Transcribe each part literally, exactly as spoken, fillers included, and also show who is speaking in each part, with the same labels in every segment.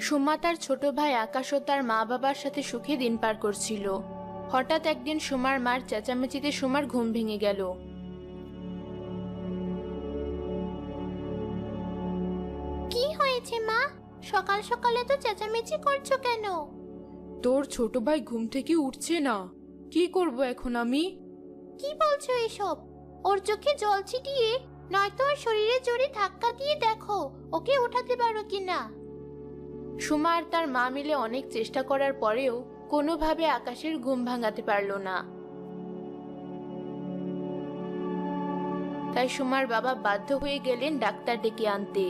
Speaker 1: সুমা তার ছোট ভাই আকাশ ও তার মা বাবার সাথে সুখে দিন পার করছিল। হঠাৎ একদিন সুমার মার চেঁচামেচিতে সুমার ঘুম ভেঙে গেল।
Speaker 2: কি হয়েছে মা? সকাল সকালে তো চেঁচামেচি করছো কেন?
Speaker 1: তোর ছোট ভাই ঘুম থেকে উঠছে না, কি করব এখন আমি?
Speaker 2: কি বলছো এসব? ওর চোখে জল ছিটিয়ে নয়তো ওর শরীরে জোরে ধাক্কা দিয়ে দেখো ওকে ওঠাতে পারো কিনা।
Speaker 1: সুমা আর তার মা মিলে অনেক চেষ্টা করার পরেও কোনোভাবে আকাশের ঘুম ভাঙাতে পারল না। তাই সুমার বাবা বাধ্য হয়ে গেলেন ডাক্তার ডেকে আনতে।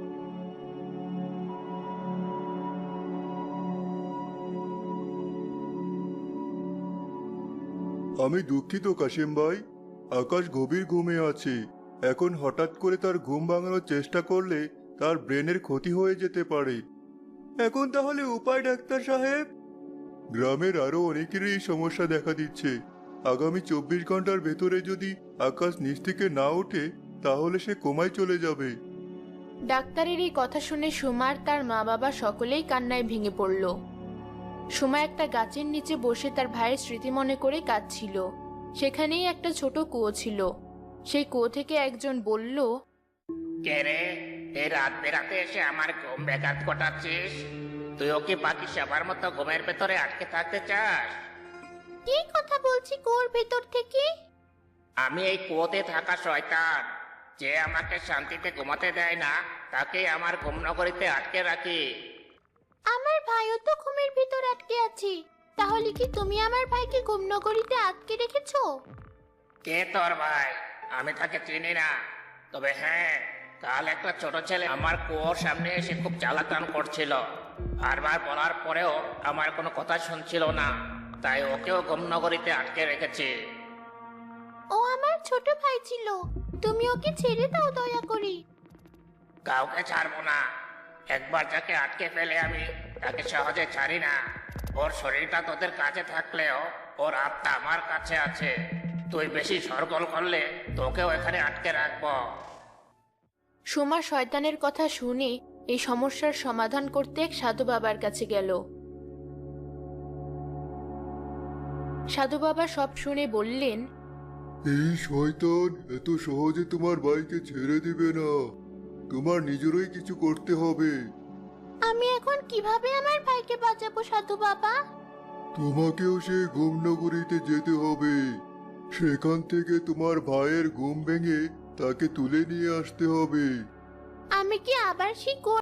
Speaker 3: আমি দুঃখিত কাশিম ভাই, আকাশ গভীর ঘুমে আছে। এখন হঠাৎ করে তার ঘুম ভাঙানোর চেষ্টা করলে তার ব্রেনের ক্ষতি হয়ে যেতে পারে। এখন তাহলে উপায় ডাক্তার সাহেব? গ্রামের আরো অনেকেরই এই সমস্যা দেখা দিচ্ছে। আগামী চব্বিশ ঘন্টার ভেতরে যদি আকাশ নিচ থেকে না ওঠে তাহলে সে কোমায় চলে যাবে।
Speaker 1: ডাক্তারের এই কথা শুনে সুমার তার মা বাবা সকলেই কান্নায় ভেঙে পড়ল। সুমা একটা গাছের নিচে বসে তার ভাইয়ের স্মৃতি মনে করে কাঁদছিল। সেখানেই একটা ছোট কুয়ো ছিল। সেই কুয়ো থেকে একজন বলল,
Speaker 4: কে রে, এই রাত বেরাতে এসে আমার ঘুম ব্যাঘাত ঘটাচ্ছিস? তুইও কি বাকি সবার মতো ঘুমের ভেতরে আটকে থাকতে চাস?
Speaker 2: কি কথা বলছি কুয়োর ভেতর থেকে?
Speaker 4: আমি এই কুয়োতে থাকা শয়তান, যে আমাকে শান্তিতে ঘুমাতে দেয় না, তাকে আমার ঘুম নগরীতে আটকে রাখি।
Speaker 2: আমার ভাইও তো ঘুমের ভিতর আটকে আছে। তাহলে কি তুমি আমার ভাইকে ঘুমনগরীতে আটকে রেখেছো?
Speaker 4: কে তোর ভাই? আমি তাকে চিনি না। তবে হ্যাঁ, কাল একটা ছোট ছেলে আমার কুয়োর সামনে এসে খুব জ্বালাতন করছিল। বারবার বলার পরেও আমার কোনো কথা শুনছিল না, তাই ওকেও ঘুমনগরীতে আটকে রেখেছি।
Speaker 2: ও আমার ছোট ভাই ছিল, তুমি ওকে ছেড়ে দাও দয়া করে।
Speaker 4: কাউকে ছাড়বো না। একবার যাকে আটকে ফেলে আমি, তাকে সহজে ছাড়ি না। ওর শরীরটা তোদের কাছে থাকলেও ওর আত্মা আমার কাছে আছে। তুই বেশি সরগোল করলে তোকেও এখানে আটকে রাখবো।
Speaker 1: সুমা শয়তানের কথা শুনে এই সমস্যার সমাধান করতে এক সাধু বাবার কাছে গেল। সাধু বাবা সব শুনে বললেন,
Speaker 3: এই শয়তান এত সহজে তোমার ভাইকে ছেড়ে দিবে না। তোমার নিজেরই কিছু করতে হবে।
Speaker 2: আমি এখন কিভাবে আমার ভাইকে বাঁচাবো সাধু বাবা?
Speaker 3: তোমাকেও সেই ঘুমনগরীতে যেতে হবে। সেখান থেকে তোমার ভাইয়ের ঘুম ভেঙে তাকে তুলে নিয়ে আসতে হবে।
Speaker 2: আমি কি আবার সেই কুয়োর